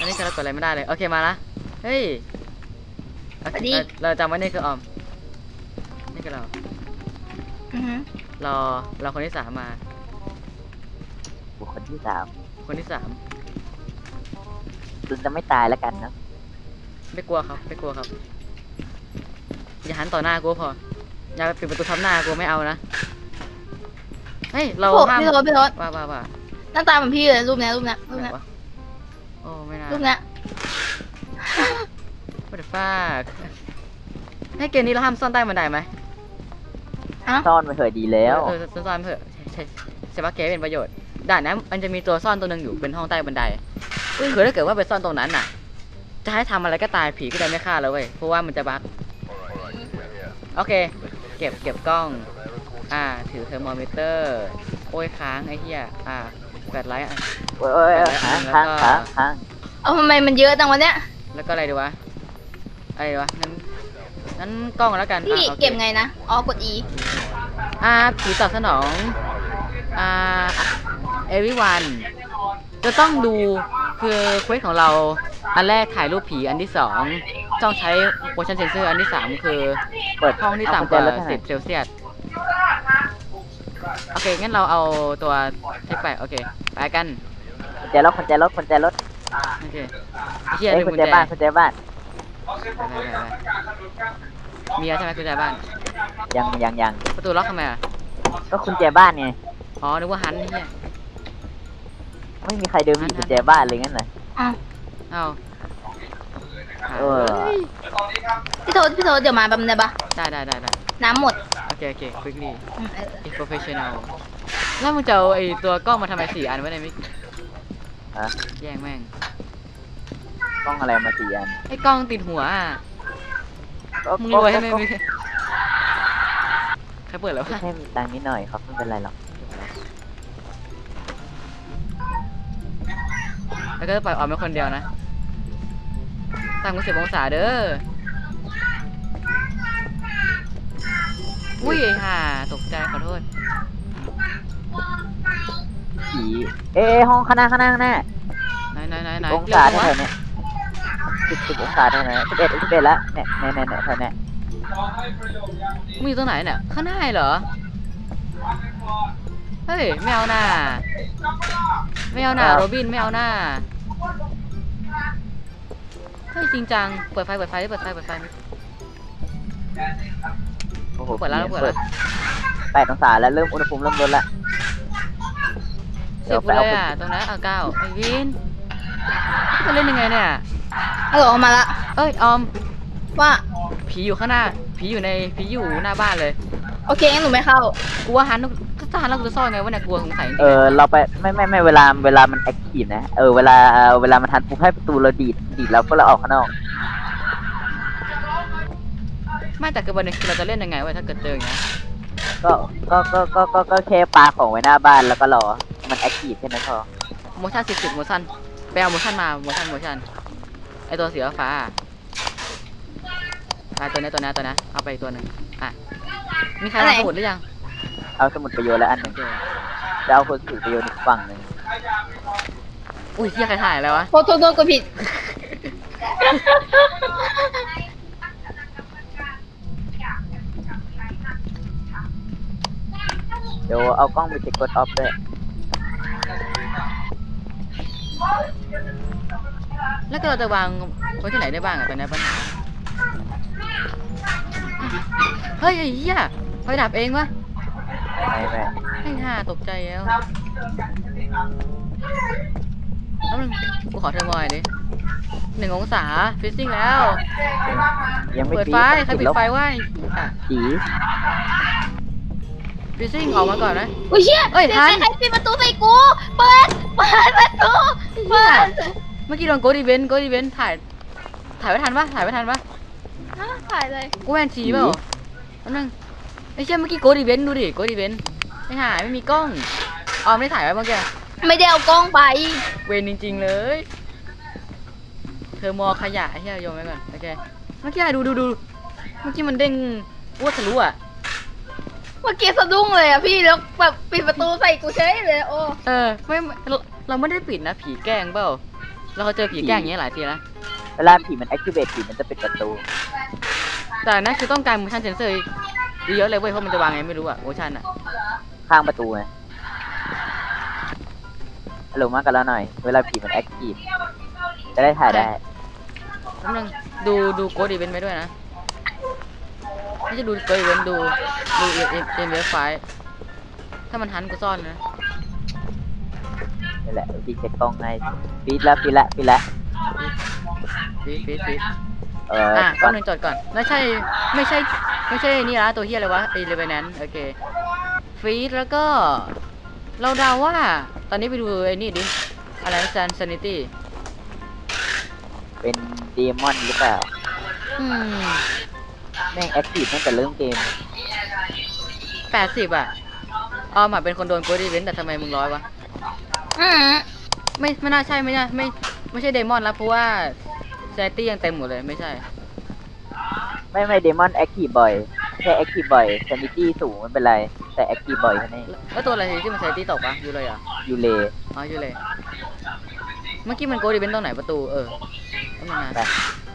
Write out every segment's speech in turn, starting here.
นี้คือเรากดอะไรไม่ได้เลยโอเคมาละเฮ้ยเราจำไว้นี่คือออมนี่คือเราเราคนที่3มาบุคคลที่3 คนที่3 คุณจะไม่ตายแล้วกันนะไม่กลัวครับไม่กลัวครับอย่าหันต่อหน้ากูพออย่าปิดประตูทับหน้ากูไม่เอานะเฮ้ยเราห้ามพี่โทษว่าหน้าตาเหมือนพี่เลยรูปนี้โอ้ไม่น่ารูปนี้ What the fuck ให้เกมนี้เราห้ามซ่อนใต้บันไดไหมซ่อนไปเถอะดีแล้วซ่อนเถอะใช่ปะเกมเป็นประโยชน์ด่านนั้นมันจะมีตัวซ่อนตัวหนึ่งอยู่เป็นห้องใต้บันไดคือถ้าเกิดว่าไปซ่อนตรงนั้นน่ะจะให้ทำอะไรก็ตายผีก็ได้ไม่ฆ่าแล้วเว้ยเพราะว่ามันจะบั๊กโอเคเก็บกล้องถือเทอร์โมมิเตอร์โอ้ยค้างไอ้เหี้ยแฟลชไลท์โอ้ยค้างเอาทำไมมันเยอะจังวะเนี้ยแล้วก็อะไรดีวะงั้นกล้องแล้วกันพี่เก็บไงนะกด E ผีตอบสนองeveryone จะต้องดูคือเควสของเราอันแรกถ่ายรูปผีอันที่2ต้องใช้ motion sensor อันที่3คือเปิดห้องที่ต่ำกว่า10เซลเซียสโอเคงั้นเราเอาตัวเทคไปโอเคไปกันคนใจรถโอเคเฮียคนใจบ้านมีแล้วใช่ไหมกุญแจบ้านยังประตูล็อกทำไมก็คุณใจบ้านไงนึกว่าฮันนี่ไม่มีใครเดินมีกุญแจบ้านเลยงั้นเหรอเอาพี่โทษเดี๋ยวมาแบบนี้ปะได้น้ำหมดโอเค quickly professional แล้วมึงจะเอาไอตัวกล้องมาทำไม4 อันไว้ในมิกแย่งแม่งกล้องอะไรมา4 อันไอกล้องติดหัวมึงรวยให้ไม่มีใครเปิดแล้วแค่มีตังค์นิดหน่อยครับไม่เป็นไรหรอกแล้วก็ปล่อยออกมาคนเดียวนะตั้งกู10 องศาเด้ออุ้ยตกใจขอโทษผีห้องข้างหน้าไหนองศาเท่าไหร่เนี่ย10 องศาเท่าไหร่11แล้วเนี่ยเท่านี้มึงอยู่ตรงไหนเนี่ยข้างหน้าเหรอเฮ้ยไม่เอาหน้าโรบินไม่เอาหน้าเฮ้ยจริงจังเปิดไฟโอ้โหเปิดแล้ว 8 องศาแล้วเริ่มอุณหภูมิเริ่มลดละ 10เลยตรงนั้น9ไอ้วินจะเล่นยังไงเนี่ยออกมาละออมว่าผีอยู่ข้างหน้าผีอยู่หน้าบ้านเลยโอเคงั้นหนูไม่เข้ากูว่าหันเราจะซ่อนไงวะเนี่ยกลัวสงสัยเราไปไม่เวลามันแอคทีฟนะเวลามันทันปุ๊บให้ประตูเราดีดแล้วก็เราออกข้างนอกไม่แต่คือวันนี้เราจะเล่นยังไงวะถ้าเกิดเจออย่างเงี้ยก็แค่ปาของไว้หน้าบ้านแล้วก็รอมันแอคทีฟแค่นั้นพอ motion 10 motion ไปเอา motion มา motion ไอตัวสีฟ้าตัวนี้เอาไปอีกตัวหนึ่งมีใครเอาสมุดหรือยังเอาสมุดไปโยนแล้วอันหนึ่งจะเอาคนถือไปโยนอีกฝั่งหนึ่งอุ้ยเฮียใครถ่ายอะไรวะโทษก็ผิดเดี๋ยวเอากล้องไปเช็คกดออฟด้วยแล้วก็เราจะวางไว้ที่ไหนได้บ้างตอนนี้ปัญหาเฮ้ยไอ้เหี้ยไฟดับเองวะไม่ตกใจแล้วกูขอเธอหน่อยดิ1 องศาฟิซซิ่งแล้วเปิดไฟใครปิดไฟวะผีฟิซซิ่งออกมาก่อนนะอุ้ยเชี่ยทันใครปิดประตูใส่กูเปิดประตูเมื่อกี้โดนโกดีเวนถ่ายไม่ทันปะถ่ายเลยกูแวนชีเปล่านั่งไอ้เชี่ยเมื่อกี้โกดีเวนดูดิโกดีเวนไม่มีกล้องไม่ถ่ายไว้เมื่อกี้ไม่ได้เอากล้องไปเวนจริงๆเลยเธอมอขยะไอ้เหี้ยโยนไว้ก่อนโอเคเมื่อกี้ดูเมื่อกี้มันเด้งอ้วทะลุเมื่อกี้สะดุ้งเลยพี่แล้วแบบปิดประตูใส่กูเฉยเลยไม่เราไม่ได้ปิดนะผีแกล้งเปล่าเราเจอผีแกล้งอย่างเงี้ยหลายทีแล้วเวลาผีมัน activate ผีมันจะปิดประตูแต่นั่นคือต้องการ motion sensor เยอะเลยเว้ยเพราะมันจะวางไงไม่รู้อะ motion อะข้างประตูไงฮัลโหลมากันแล้วหน่อย เวลาผีมัน active จะได้ถ่ายได้แป๊บนึงดูโกดอีเวนต์ไปด้วยนะไม่ใช่ดูโกดอีเวนต์ดูเอ็มเวฟไฟถ้ามันหันกูซ่อนนะนี่แหละพี่เช็คกล้องให้ฟีดแล้วฟีดแล้วฟีดแล้วฟีดก่แป๊อบ นนึงจดก่อนไม่ใช่นี่ละตัวเฮียอะไรวะไอ้เรเวนแนนโอเคฟีดแล้วก็เราเดาว่าตอนนี้ไปดูไอ้นี่ดิอะไรนะซานิตี้เป็นเดมอนหรือเปล่าแม่ง active ตั้งแต่เริ่มเกม 80อะออมอะเป็นคนโดนโกดอีเวนต์แต่ทำไมมึง100วะอืมไม่น่าใช่ไม่ใช่เดมอนแล้วเพราะว่าแซนตี้ยังเต็มหมดเลยไม่ใช่ไม่เดมอน active บ่อยแค่ active บ่อย sanity สูงไม่เป็นไร แต่ active บ่อยแค่นี้แล้วตัวอะไรที่มันแซนตี้ตกปะอยู่เลยเหรอยูเลอ๋ออยู่เลยเมื่อกี้มันโกดีเป็นตรงไหนประตูต้องมาไป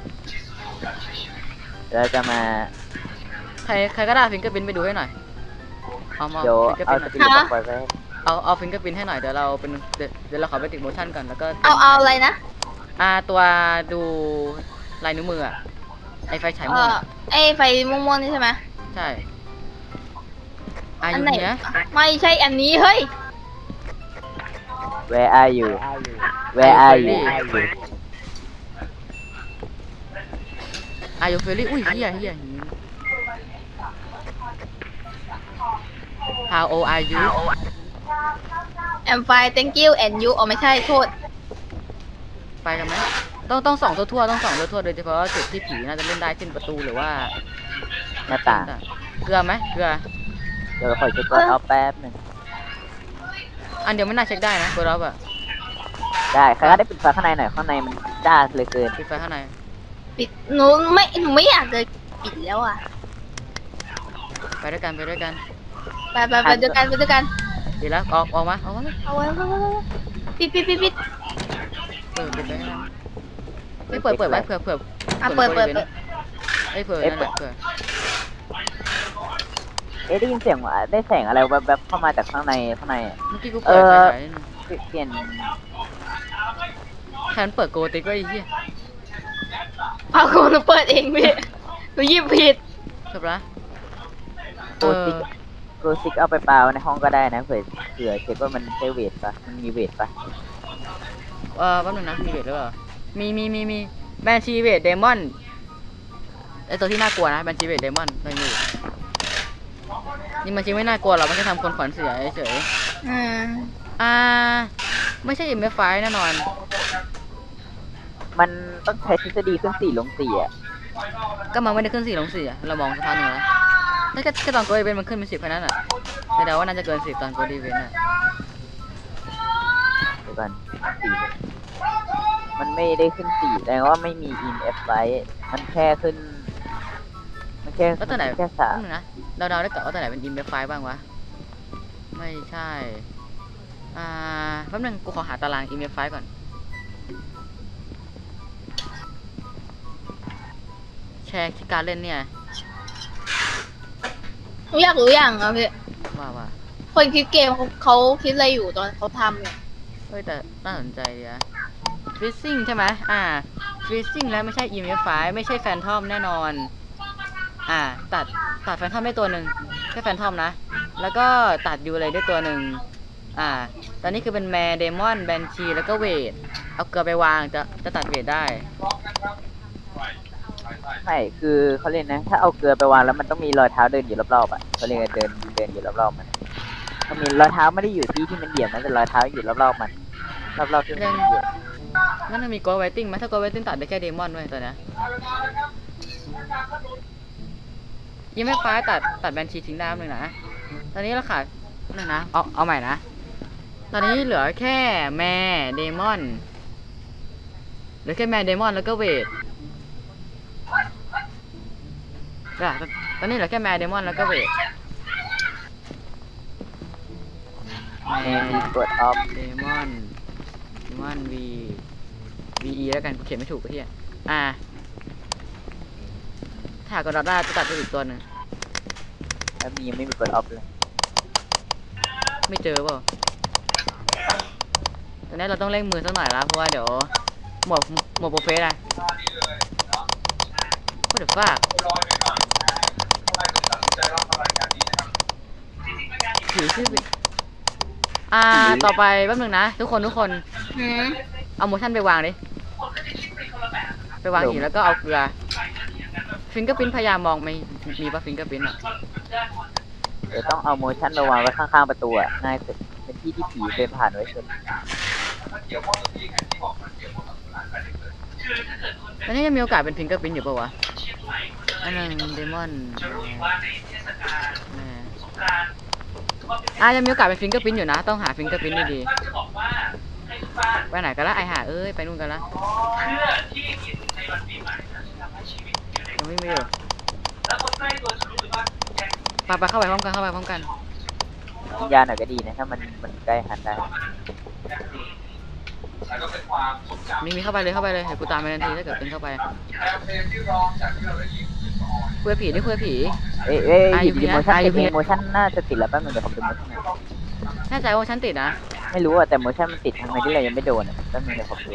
เราจะมาใครก็ได้ฟิงเกอร์พินไปดูให้หน่อยเอาเดี๋ยวฟิงเกอร์เอาพินสปิริตบอกไว้ให้เอาฟิงเกอร์พินให้หน่อยเดี๋ยวเราเป็นเดี๋ยวเราขอไปติดโมชั่นก่อนแล้วก็เอาอะไรนะตัวดูลายนิ้วมืออะไอไฟฉายม่วงอะไอไฟม่วงๆนี่ใช่ไหมใช่อัยุไหนเนี้ยไม่ใช่อันนี้เฮ้ย Where are you Where are you อายุเฟรลี่อุ้ยเฮียHow old are you I'm fine thank you and you อ๋อไม่ใช่โทษไปกันไหมต้องส่องทั่วๆต้องส่องทั่วๆโดยเฉพาะจุดที่ผีน่าจะเล่นได้เช่นประตูหรือว่าหน้าต่างเกลือไหมเกลือเดี๋ยวขอเช็คก่อนเอาแป๊บหนึ่งอันเดียวไม่น่าเช็คได้นะเบอร์รับอะได้ใครก็ได้ปิดไฟข้างในหน่อยข้างในมันจ้าเลยเกินปิดไฟข้างในปิดหนูไม่อยากจะปิดแล้วอ่ะไปด้วยกันไปด้วยกันดีแล้วออกมาเอาไว้ปิดปิดไปให้ได้ไม่เปิดไว้เผื่ออ่ะเปิดเผื่อนั่นแหละเผื่อได้ยินเสียงว่าได้แสงอะไรแบบเข้ามาจากข้างในอะเมื่อกี้กูเปิดไฟฉายเปลี่ยนแทนเปิดโกติกไว้ไอ้เหี้ยเอากูหนูเปิดเองพี่หนูหยิบผิดจบละโกซิกเอาไปเปล่าในห้องก็ได้นะเผื่อเช็คว่ามันใช้เวทปะมันมีเวทปะแป๊บนึงนะมีเวทหรือเปล่ามีแบนชีเวทเดมอนไอตัวที่น่ากลัวนะแบนชีเวทเดมอนตัวนี้นี่มันจริงไม่น่ากลัวหรอกมันแค่ทำคนขวัญเสียเฉยอืมไม่ใช่MF5 แน่นอนมันต้องใช้ทฤษฎีขึ้น4 ลง 4อ่ะก็มันไม่ได้ขึ้น4 ลง 4อะเรามองสะพานหนึ่งแล้วถ้าแค่ตอนโกดีเวนมันขึ้นเป็น10แค่นั้นอ่ะแต่เดาว่าน่าจะเกิน10ตอนโกดีเวนอ่ะเดี๋ยวก่อน4มันไม่ได้ขึ้น4แต่ว่าไม่มี EMF ไว้มันแค่ขึ้นมันแค่แล้วตัวไหนแค่แป๊บนึงนะเดาได้ก่อนว่าตัวไหนเป็นMF5 บ้างวะไม่ใช่แป๊บนึงกูขอหาตาราง EMF5 ก่อนแชร์ที่การเล่นเนี่ยหนูอยากรู้อย่างอ่ะพี่ว่าคนคิดเกมเขาคิดอะไรอยู่ตอนเขาทำเนี่ยเฮ้ยแต่น่าสนใจดีนะฟิซซิ่งใช่ไหมฟิซซิ่งแล้วไม่ใช่ EMF5 ไม่ใช่แฟนทอมแน่นอนตัดแฟนทอมได้ตัวหนึ่งแค่แฟนทอมนะแล้วก็ตัดยูเลยได้ตัวหนึ่งตอนนี้คือเป็นแมร์เดมอนแบนชีแล้วก็เวทเอาเกลือไปวางจะตัดเวทได้ไม่คือเขาเรียกนะถ้าเอาเกลือไปวางแล้วมันต้องมีรอยเท้าเดินอยู่รอบๆอ่ะเขาเรียกเดินอยู่รอบๆมันมันมีรอยเท้าไม่ได้อยู่ที่มันเหยียบนะแต่รอยเท้าอยู่รอบๆมันรอบๆที่มันเหยียบนั่นมันมีโกลไวติ้งไหมถ้าโกลไวติ้งตัดได้แค่เดมอนด้วยตัวนี้ยังไม่ฟ้าตัดแบนชีทิ้งได้หนึ่งนะตอนนี้เราขาดหนึ่งนะเอาใหม่นะตอนนี้เหลือแค่แมร์เดมอนเหลือแค่แมร์เดมอนแล้วก็เวทตอนนี้เหลือแค่แมร์เดมอนแล้วก็เวทแมร์กดออฟเดมอนวี VE แล้วกันกูเขียนไม่ถูกไอ้เหี้ยถ้ากดได้จะตัดไปอีกตัวหนึ่งแล้วมียังไม่มีกดออฟเลยไม่เจอเปล่าตอนนี้เราต้องเร่งมือสักหน่อยแล้วเพราะว่าเดี๋ยวหมดโปรเฟสอะก็เดี๋ยวฝากถือชื่อไปต่อไปแป๊บนึงนะทุกคนหืมเอาโมชั่นไปวางดิไปวางหินแล้วก็เอาเกลือฟิงเกอร์พิ้นพยายามมองไม่มีป่ะฟิงเกอร์พิ้นอ่ะเดี๋ยวต้องเอาโมชั่นมาวางไว้ข้างๆประตูอ่ะง่ายสุดเป็นที่ที่ผีเดินผ่านไว้สุดตอนนี้ยังมีโอกาสเป็นฟิงเกอร์พิ้นอยู่ป่าวะอันนึงเดมอนยังมีโอกาสเป็นฟิงเกอร์พิ้นอยู่นะต้องหาฟิงเกอร์พิ้นดีๆไปไหนกันละไอหาไปนู่นกันละยังไม่มีอยู่ไปเข้าไปพร้อมกันวิญญาณหน่อยก็ดีนะถ้ามันใกล้หันได้มีเข้าไปเลยเดี๋ยวกูตามไปทันทีถ้าเกิดเป็นเข้าไปคุยผีนี่คุยผีอยู่ดีโมชั่นติดโมชั่นน่าจะติดแล้วแป๊บนึงเดี๋ยวผมดูโมชั่นแน่ใจว่าฉันติดนะไม่รู้อ่ะแต่โมชั่นมันติดทำไมที่เรายังไม่โดนอ่ะแป๊บนึงเดี๋ยวผมดู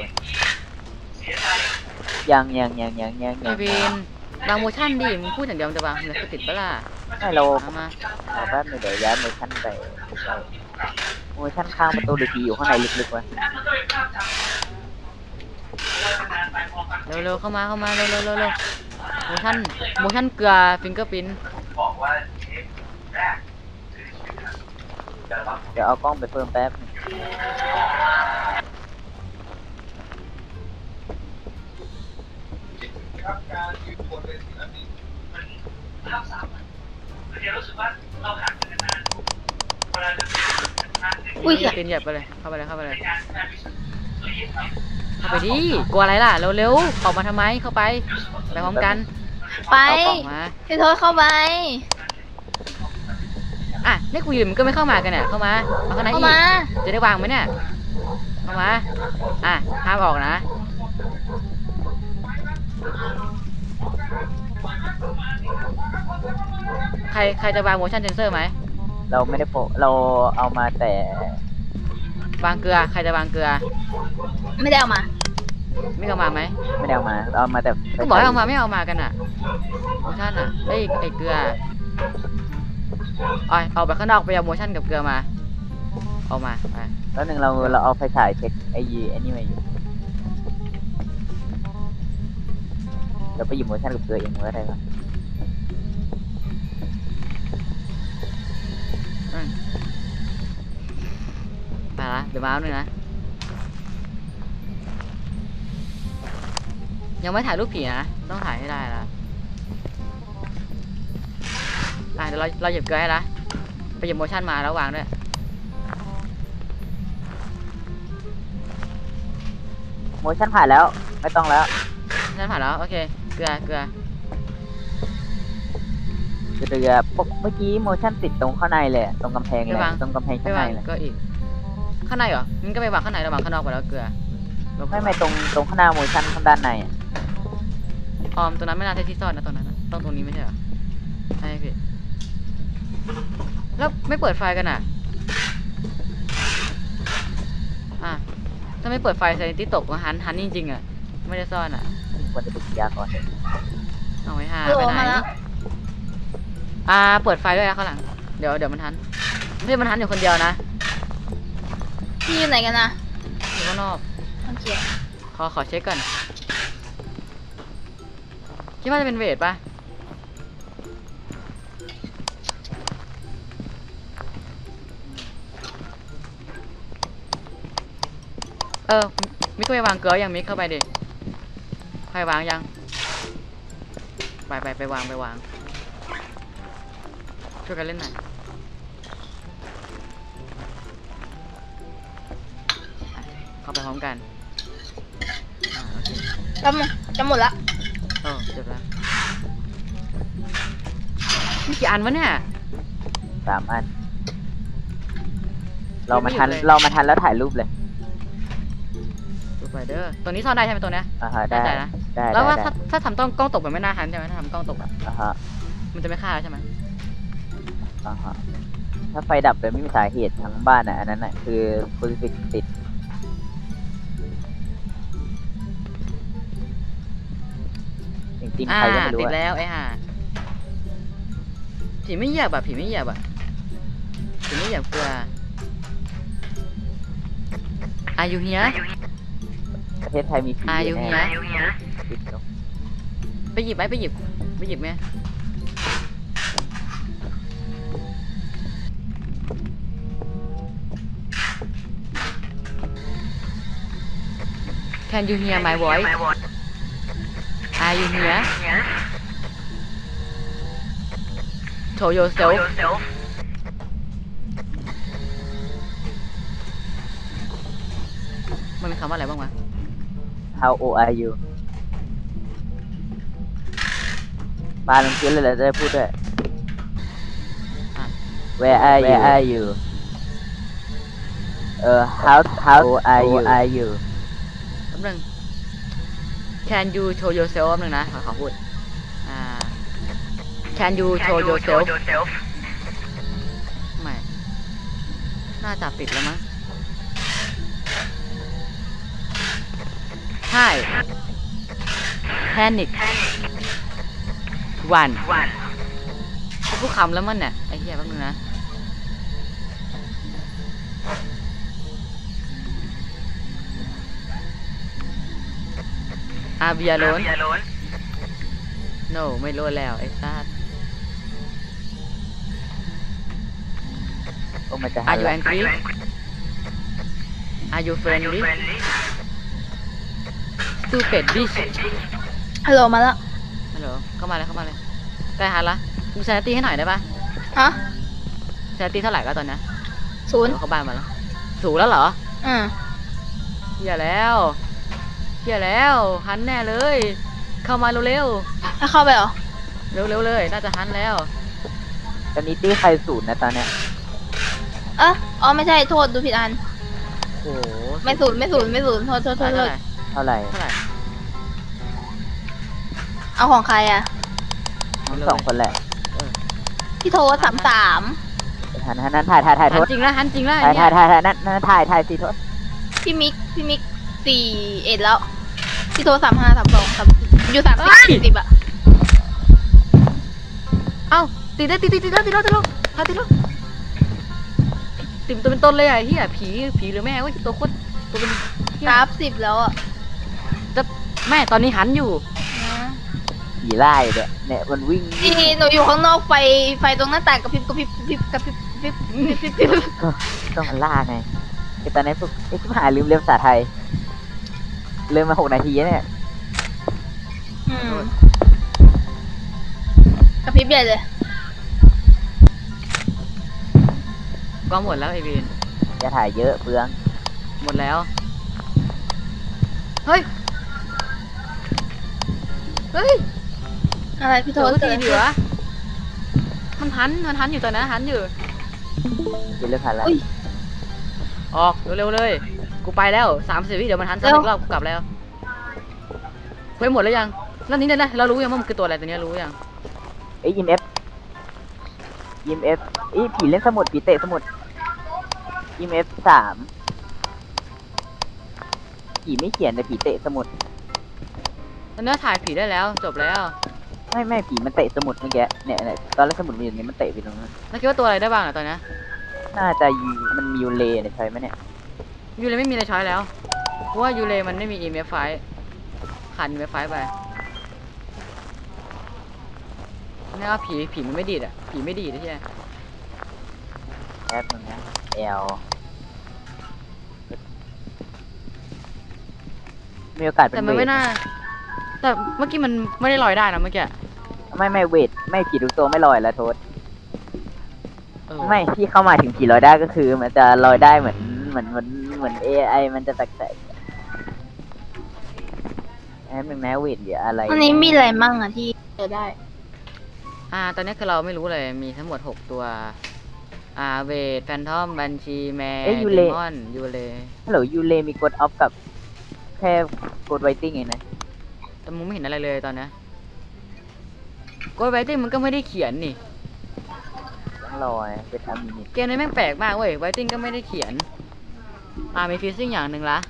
ยังไอวินบางโมชั่นดิมึงพูดอย่างเดียวจะบางมันจะติดปะล่ะไม่เราเอามาแป๊บนึงเดี๋ยวย้ายโมชั่นไปโมชั่นข้างประตูหรือผีอยู่ข้างในลึกๆวะเร็วเข้ามาเร็วโมชั่นเกลือฟิงเกอร์พิ้นเดี๋ยวเอากล้องไปเพิ่มแป๊บนึงอุ้ยเหี้ยตีนเหยียบไปเลยเข้าไปดิกลัวอะไรล่ะเร็วออกมาทำไมเข้าไปพร้อมกันไปเอากล่องมาพี่โทษเข้าไปนี่กูยืนมันก็ไม่เข้ามากันเนี่ยเข้ามาข้างในเข้าอีกมาจะได้วางไหมเนี่ยเข้ามาห้ามออกนะใครจะวาง motion sensor ไหมเราไม่ได้เราเอามาแต่วางเกลือใครจะวางเกลือไม่ได้เอามาไม่เอามาไหมไม่ได้เอามาเอามาแต่ก็บอกให้เอามาไม่เอามากันอ่ะ motion ไอเกลือเอาไปข้างนอกไปเอา motion กับเกลือมาเอามาไปแล้วหนึ่งเราเอาไฟฉายเช็คไอ้นี่มาอยู่เราไปหยิบโมชั่นกับเกลือเองก็ได้ปะไปละเดี๋ยวมาเอาหนึ่งนะยังไม่ถ่ายรูปผีนะต้องถ่ายให้ได้ละเดี๋ยวเราหยิบเกลือให้ละไปหยิบ motion มาแล้ววางด้วยโมชั่นผ่านแล้วไม่ต้องแล้วนั่นผ่านแล้วโอเคเกลือเรือเมื่อกี้โมชั่นติดตรงข้างในเลยตรงกำแพงเลยตรงกำแพงไปข้างในวางเลยก็อีกข้างในเหรองั้นก็ไปวางข้างในระหว่างข้างนอกไปแล้วเกลือไม่ตรงข้างหน้าโมชั่นข้างด้านในอ่ะตรงนั้นไม่น่าใช่ที่ซ่อนนะตรงนั้นนะต้องตรงนี้ไม่ใช่เหรอใช่พี่แล้วไม่เปิดไฟกันอ่ะถ้าไม่เปิดไฟไซนิตี้ตกก็หันจริงๆอ่ะไม่ได้ซ่อนอ่ะควรจะไปกินยาก่อนเอาไว้หาโหลไปไหนมาแล้วเปิดไฟด้วยนะข้างหลังเดี๋ยวมันทันไม่ใช่มันทันอยู่คนเดียวนะพี่อยู่ไหนกันนะอยู่ข้างนอกโอเคขอเช็คก่อนคิดว่าจะเป็นเวทปะมิกก็ไปวางเกลือยังมิกเข้าไปดิใครวางยังไปวางช่วยกันเล่นหน่อยเข้าไปพร้อมกันโอเคจะหมดละจบแล้วมีกี่อันวะเนี่ย 3 อันเรามาทันแล้วถ่ายรูปเลยสไปเดอร์ตัวนี้ซ่อนได้ใช่ไหมตัวเนี้ยฮะได้แน่ใจนะได้แล้วว่าได้ถ้าทำกล้องตกมันไม่น่าหันใช่ไหมถ้าทำกล้องตกอะฮะมันจะไม่ฆ่าใช่ไหมฮะถ้าไฟดับโดยไม่มีสาเหตุทั้งบ้านอันนั้นคือคูลิฟิกติดจริงๆใครก็ไม่รู้ติดแล้วไอ้ห่าผีไม่เหยียบอะผีไม่เหยียบอะผีไม่เหยียบกลัวอายุเฮียประเทศไทยมีผีอายุเฮียติดเนอะไปหยิบไหมไปหยิบไหมCan you hear my voice Are you here Show yourself มันมีคำว่าอะไรบ้างวะ How old are you ปาลงพื้นเลยเหรอจะได้พูดด้วยอ่ะ Where are you how old are you แป๊บนึง Can you show yourself แป๊บนึงนะขอพูดCan you show yourself ไม่ น่าจะปิดแล้วมั้ง Hi Panic One พูดคำแล้วมันเนี่ยไอ้เหี้ยแป๊บนึงนะ Are we alone No ไม่รู้แล้วไอ้ซาดโอ้มันจะ Are you angry Are you friendly Stupid bitch ฮัลโหลมาแล้วฮัลโหลเข้ามาเลยใกล้ฮันละดูสถิติให้หน่อยได้ปะฮะสถิติเท่าไหร่ก็ตอนนี้ 0 เข้าบ้านมาแล้วสูงแล้วเหรออืมเฮียแล้วฮันแน่เลย เข้ามาเร็วถ้าเข้าไปเหรอๆเร็วๆเลยน่าจะฮันแล้วตอนนี้ตี้ใครศูนย์นะตอนเนี้ยอ๋อไม่ใช่โทษดูผิดอันโอ้โหไม่ศูนย์โทษเท่าไหร่เท่าไหร่เอาของใครอ่ะทั้งสองคนแหละพี่โทษ33 นั้นถ่ายฮัโทนษจริงนะฮันจริงนะถ่ายเนี่ยนั่นถ่ายสิโทษพี่มิก41แล้ว พี่โทษ35 32อยู่30อ่ะเอ้าติดแล้วติดแล้วติดตัวเป็นต้นเลยอ่ะเฮียผีหรือแม่เว้ยตัวโคตรตัวเป็นเหี้ย 30แล้วอ่ะแม่ตอนนี้หันอยู่นะผีไล่เนี่ยมันวิ่งนี่หนูอยู่ข้างนอกไฟตรงหน้าต่างกระพริบก็มันล่าไงไอ้ตอนนี้พวกไอ้ชิบหายลืมเรียนภาษาไทยลืมมา6 นาทีเนี่ยกระพริบใหญ่เลยก็หมดแล้วไอวีนจะถ่ายเยอะเปลืองหมดแล้ว เฮ้ยอะไรพี่โทษทีดีวะมันหันอยู่ตอนนั้นหันอยู่กินเรื่องผ่านแล้วออกเร็วๆเลย กูไปแล้ว30 วิเดี๋ยวมันหันซ้ำอีกรอบกูกลับแล้วเฮ้ยหมดแล้วยังแล้วนี้เนี่ยนะเรารู้ยังว่ามันคือตัวอะไรตัวเนี้ยรู้ยังเอ้ยEMF ผีเล่นสมุดผีเตะสมุด EMF 3ผีไม่เขียนแต่ผีเตะสมุดตอนนี้ถ่ายผีได้แล้วจบแล้วไม่ผีมันเตะสมุดเมื่อกี้เนี่ยตอนแรกสมุดมันอยู่นี่มันเตะไปตรงนั้นแล้วคิดว่าตัวอะไรได้บ้างอ่ะตอนนี้น่าจะมันมียูเลเนี่ยใช่ไหมเนี่ยยูเลไม่มีอะไรช้อยแล้วเพราะว่ายูเลมันไม่มี EMF ไฟขาด EMF ไฟไปนี่ว่าผีมันไม่ดีดอ่ะผีไม่ดีดใช่ไหมแอปมันนะL มีโอกาสเป็แต่นมันเวไม่ทน่าแต่เมื่อกี้มันไม่ได้ลอยได้นะเมื่อกี้ไม่เวทไม่ผีทุกตัวไม่ลอยแล้วโทษเออไม่ที่เข้ามาถึงผีลอยได้ก็คือ มันจะลอยได้เหมือน AI มันจะแตกๆแอปหนึ่งนะเวทเดี๋ยวอะไรอันนี้มีอะไรมั่งอ่ะที่เจอได้ตอนนี้คือเราไม่รู้เลยมีทั้งหมด6ตัวเวทแฟนทอมบัญชีแมนเดมอนยูเลฮัลโหลยูเลมีกดออฟกับแค่กดไวติ้งเองนะแต่มึงไม่เห็นอะไรเลยตอนนี้กดไวติ้งมันก็ไม่ได้เขียนนี่ต้องรอไงเป็นอามินิตเกมนี้แม่งแปลกมากเว้ยไวติ้งก็ไม่ได้เขียนมีฟิซซิ่งอย่างหนึ่งละ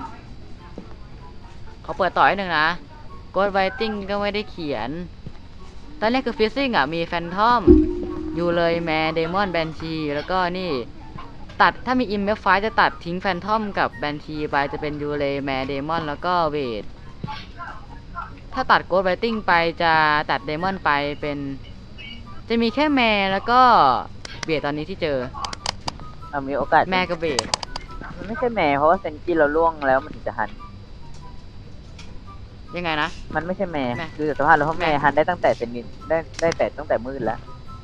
เขาเปิดต่อให้หนึ่งนะกดไวติ้งก็ไม่ได้เขียนตอนแรกคือฟิซซิ่งมีแฟนทอมอยู่เลยแมร์เดมอนแบนชีแล้วก็นี่ตัดถ้ามีอิมเมฟไฟจะตัดทิ้งแฟนทอมกับแบนชีไปจะเป็นยูเลแมร์เดมอนแล้วก็เวทถ้าตัดโกดไวติ้งไปจะตัดเดมอนไปเป็นจะมีแค่แมร์แล้วก็เวทตอนนี้ที่เจอมีโอกาสแมร์กับเวทมันไม่ใช่แม่เพราะว่าเซนจิเราล่วงแล้วมันถึงจะหันยังไงนะมันไม่ใช่แม่แม่คือสภาพเราเพราะแม่แม่หันได้ตั้งแต่เซนนินได้แต่ตั้งแต่มืดแล้ว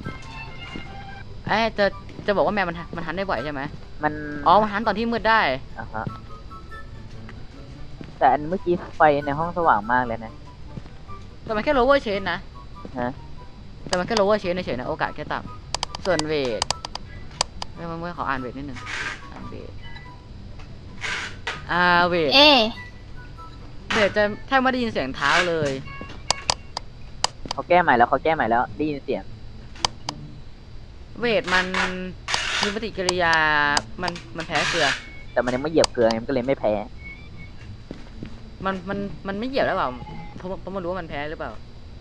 จะบอกว่าแมวมันหันได้บ่อยใช่ไหมมันอ๋อมันหันตอนที่มืดได้อ่ะฮะแต่อันเมื่อกี้ไฟในห้องสว่างมากเลยนะแต่มันแค่ lower chain นะฮะแต่มันแค่ lower chain เฉยๆนะโอกาสแค่ต่ำส่วนเวทเมื่อขออ่านเวทนิดนึงอ่านเวทเวทเอ๊ะเวทจะแทบไม่ได้ยินเสียงเท้าเลยเขาแก้ใหม่แล้วได้ยินเสียงเวทมันมีปฏิกิริยามันแพ้เกลือแต่มันยังไม่เหยียบเกลือไงมันก็เลยไม่แพ้มันไม่เหยียบแล้วเปล่าเพราะมันรู้ว่ามันแพ้หรือเปล่า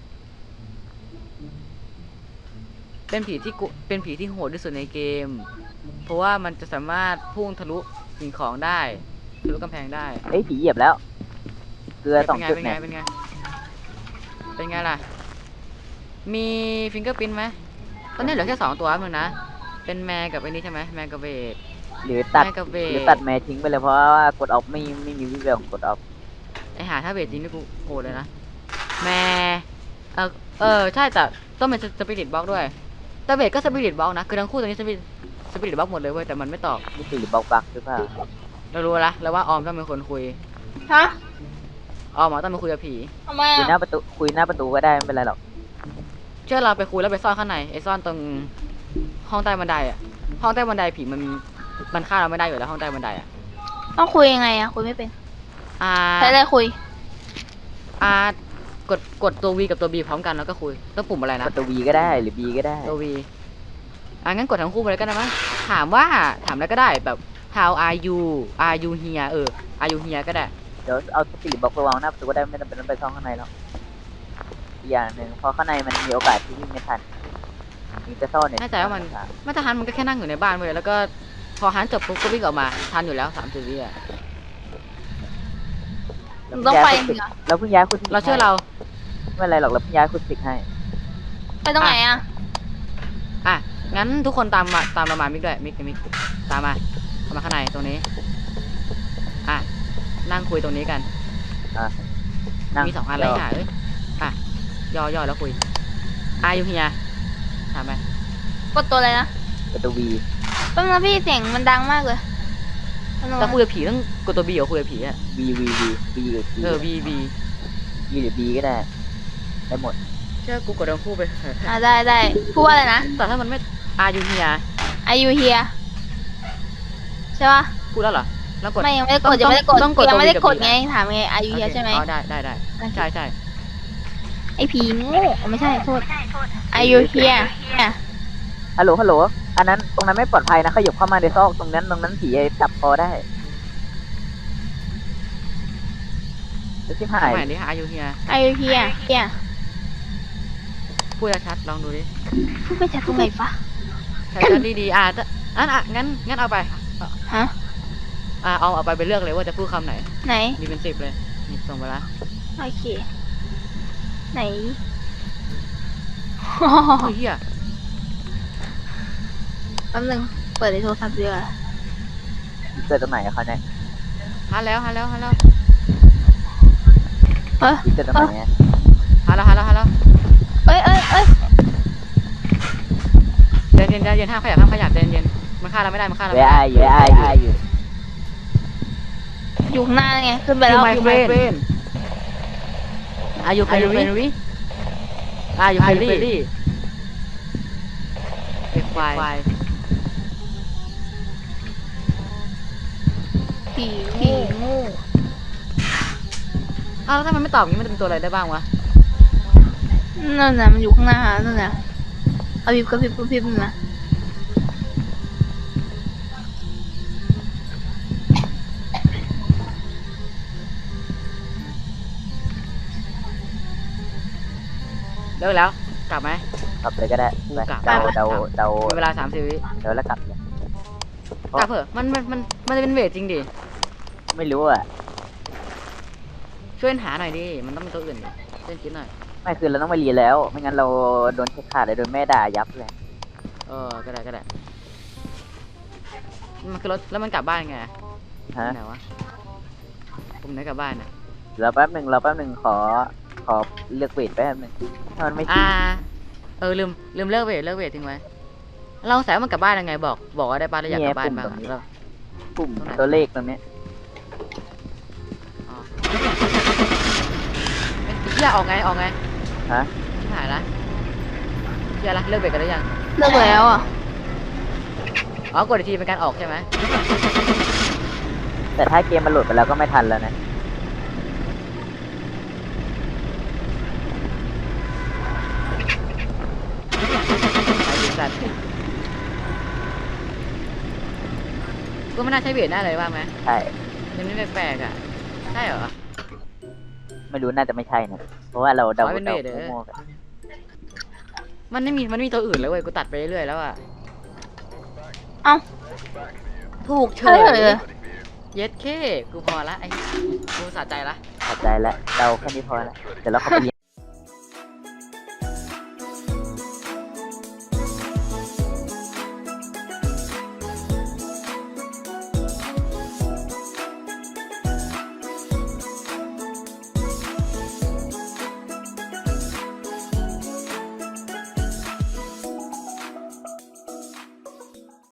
เป็นผีที่โหดที่สุดในเกม เพราะว่ามันจะสามารถพุ่งทะลุสิ่งของได้ทะลุกำแพงได้เอ้ยผีเหยียบแล้ว เกลือสองจุดเป็นเนี่ไงยเป็นไงล่ะ มีฟิงเกอร์พิ้นไหมตอนนี้เหลือแค่2ตัวนึงนะ เป็นแมร์กับไอ้นี่ใช่ไหมแมร์กับเวทหรือตัดแมร์กับเวหรือทตัดแม่ทิ้งไปเลยเพราะว่ากดออฟไม่มีวิแววของกดออฟไอหาถ้าเวทจริงนี่กูโหดเลยนะ แมร์ใช่แต่ต้องเป็นสปิริตบล็อกด้วยแต่เวทก็สปิริตบล็อกนะคือทั้งคู่ตอนนี้สปิริตบล็อกหมดเลยเว้ยแต่มันไม่ตอบนี่คือหรือบล็อกบักหรือเปล่าเรารู้ละแล้วว่าออมต้องเป็นคนคุยฮะออมต้องไปคุยกับผีทำไมคุยหอ่ะน้าประตูก็ได้ไม่เป็นไรหรอกเชื่อเราไปคุยแล้วไปซ่อนข้างในไอ้ซ่อนตรงห้องใต้บันไดอะห้องใต้บันไดผีมันฆ่าเราไม่ได้อยู่แล้วห้องใต้บันไดอะต้องคุยยังไงอ่ะ คุยไม่เป็นอ่าใช้อะไรคุยกดตัว V กับตัว B พร้อมกันแล้วก็คุยแล้วปุ่มอะไรนะประตูวีก็ได้หรือบีก็ได้ตัว V งั้นกดทั้งคู่ไปเลยก็ได้มั้งถามอะไรก็ได้แบบ how are you here are you here ก็ได้เดี๋ยวเอาสปิริตบล็อกไปวางหน้าประตูก็ได้ไม่จำเป็นต้องไปซ่องข้างในหรอกอีกอย่างหนึ่งเพราะข้างในมันมีโอกาสที่วิ่งไม่ทันมีจะซ่อนเนี่ยแน่ใจว่ามันมาตรฐานมันก็แค่นั่งอยู่ในบ้านเว้ยแล้วก็พอฮันจบปุ๊บก็วิ่งออกมาทันอยู่แล้ว30 วิอะต้องไปฝึกเหรอเราเพิ่งย้ายคุณเราเชื่อเราไม่เป็นไรหรอกเราเพิ่งย้ายคุณฝึกให้ไปตรงไหนอ่ะงั้นทุกคนตามเรามามิกด้วยมิกตามมาเข้ามาข้างในตรงนี้นั่งคุยตรงนี้กันนั่งมี2 อันเลยค่ะย่อแล้วคุยอยู่เฮียถามไปกดตัวอะไรนะประตูวีแป๊บนึงพี่เสียงมันดังมากเลยแป๊บนึงแต่นะคุยกับผีต้องกดตัว B เหรอคุยกับผีอะวีหรือบี B วีหรือบีก็ได้ได้หมดเชื่อกูกดทั้งคู่ไปเถอะได้พูดว่าอะไรนะแต่ถ้ามันไม่อยู่เฮีย Are you here ใช่ปะพูดแล้วเหรอแล้วกดไม่ยังไม่ได้กต้ดองยังไม่ได้กดต้องกดยังไม่ได้ตัว V กดกับ B ไงนะถามไง Are you here ใช่ไหมได้ใช่ไอผีโง่ไม่ใช่โทษ Are you here ฮัลโหลอันนั้นตรงนั้นไม่ปลอดภัยนะขยับเข้ามาในซอกตรงนั้นผีจับคอได้จะชิบหายใหม่ดิอยู่เฮีย Are you here พูดชัดๆลองดูดิพูดไปจากตรงไหนฟะชัดๆดีๆงั้นเอาไปฮะเอาไปเลือกเลยว่าจะพูดคำไหนไหนมีเป็น10เลยนี่ส่งไปละโอเคไหนเฮ้ยเฮียแป๊บนึงเปิดในโทรศัพท์ดีกว่าเกิดตรงไหนอะเขาเนี่ยฮัลแล้วเออเกิดตรงไหนอะฮัลแล้วเอ้ยเย็นห้ามขยับเย็นมันฆ่าเราไม่ได้มันฆ่าเราเวไม่ไอได้อยู่อยู่ข้างหน้าไงขึ้นไปแล้ว You my friend Are you friendly Are you friendly เป็นควายผีโง่อ้าวแล้วถ้ามันไม่ตอบอย่างนี้มันจะเป็นตัวอะไรได้บ้างวะนั่นน่ะมันอยู่ข้างหน้านั่นน่ะเอาพริบกระพริบกระพริบนั่นนะเลิกแล้วกลับไหมกลับเลยก็ได้กูไปกลับเดามีเวลา30 วิเดาแล้วกลับเลยกลับเถอะมันจะเป็นเวทจริงดิไม่รู้อ่ะช่วยหาหน่อยดิมันต้องเป็นตัวอื่นดิช่วยคิดหน่อยไม่คือเราต้องไปเรียนแล้ว ไม่งั้นเราโดนเช็คขาดเลยโดนแม่ด่ายับเลยก็ได้มันคือรถแล้วมันกลับบ้านไงฮะไหนวะผมไหนกลับบ้านนะเราแป๊บหนึ่งขอเลือกเวทแป๊บหนึ่งถ้ามันไม่จริลืมเลิกเวททิ้งไว้เราสายมันกลับบ้านยังไงบอกว่าได้บ้านแล้วอยากกลับบ้านบ้างอะแล้วปุ่มตัวเลขตรงเนี้ยอ๋อเฮียออกไงฮะชิบหายละเฮียละเลิกเวทกันแล้วยังเลิกแล้วอ่ะอ๋อกดอีกทีเป็นการออกใช่ไหมแต่ถ้าเกมมันโหลดไปแล้วก็ไม่ทันแล้วนะไอ้ดิสัตว์ก็ไม่น่าใช่เวทหน้าเลยว่าไหมใช่ยังไม่แปลกๆอ่ะใช่เหรอไม่รู้น่าจะไม่ใช่นะเพราะว่าเราเดาขอให้เป็นเวทเด้อมั่วๆกันมันไม่มีตัวอื่นเลยเว้ยกูตัดไปเรื่อยๆแล้วอ่ะเอ้าถูกเฉเฉยยเย็ดเคกูพอละไอ้กูสะใจละเข้าใจแล้วเดาแค่นี้พอแล้วเดี๋ยวเราเข้าไปเรียน